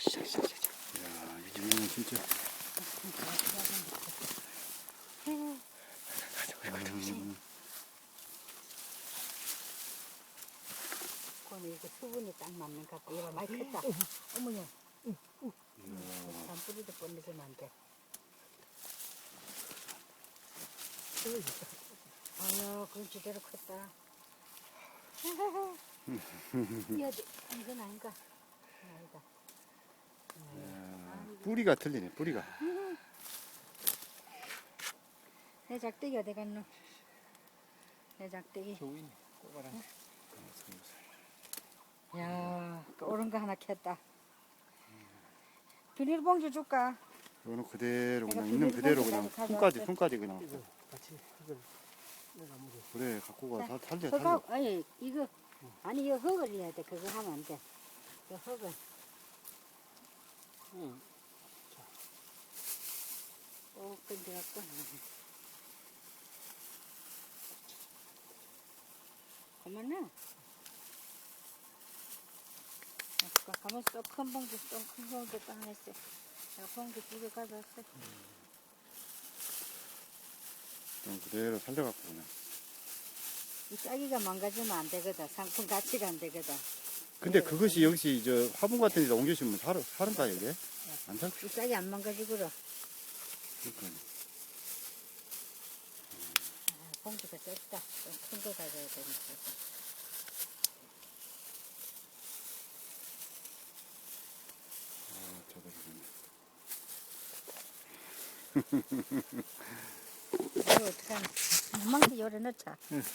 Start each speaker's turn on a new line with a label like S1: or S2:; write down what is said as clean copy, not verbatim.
S1: 이야, 이 집은 진짜.
S2: 그거는 이게 수분이 딱 맞는 것 같아. 얘가 많이 컸다. 어머니. 산뿌리도 뻔내서는 안 돼. 아유, 그건 제대로 컸다. 이건 아닌가? 아니다.
S1: 뿌리가 틀리네, 뿌리가.
S2: 내 작대기 어디 갔노? 내 작대기.
S3: 저기 있네. 꼬바랑.
S2: 야, 오른 거 하나 켰다. 비닐봉지 줄까?
S1: 이거는 그대로 그냥
S2: 내가
S1: 있는 그대로 그냥
S2: 비닐봉지까지
S1: 손까지
S2: 가져왔어.
S1: 손까지 그냥.
S3: 이거 같이 흙을 내가 묻어.
S1: 그래 갖고 가.
S2: 자,
S1: 살려.
S2: 흙하고, 아니, 이거, 아니, 이거 흙을 해야 돼. 그거 하면 안 돼. 이거 흙을.
S3: 응.
S2: 꼭 건드렸고. 그만나. 가만 쏙큰 봉지, 큰 봉지 딱 냈어. 야, 봉지 2개 가져왔어.
S1: 그냥 그대로 살려갖고 그냥.
S2: 이 짜기가 망가지면 안 되거든. 상품 가치가 안 되거든.
S1: 근데 그것이 여기서 저 화분 같은 데다 옮겨주면 사는가 이게? 안 살?
S2: 이 짝이 안 망가지고로.
S1: 그러니까.
S2: 봉지가 좁다. 좀 큰 거 가져야 되니까.
S1: 저도
S2: 이거 어떡하나. 이만큼 열어 넣자.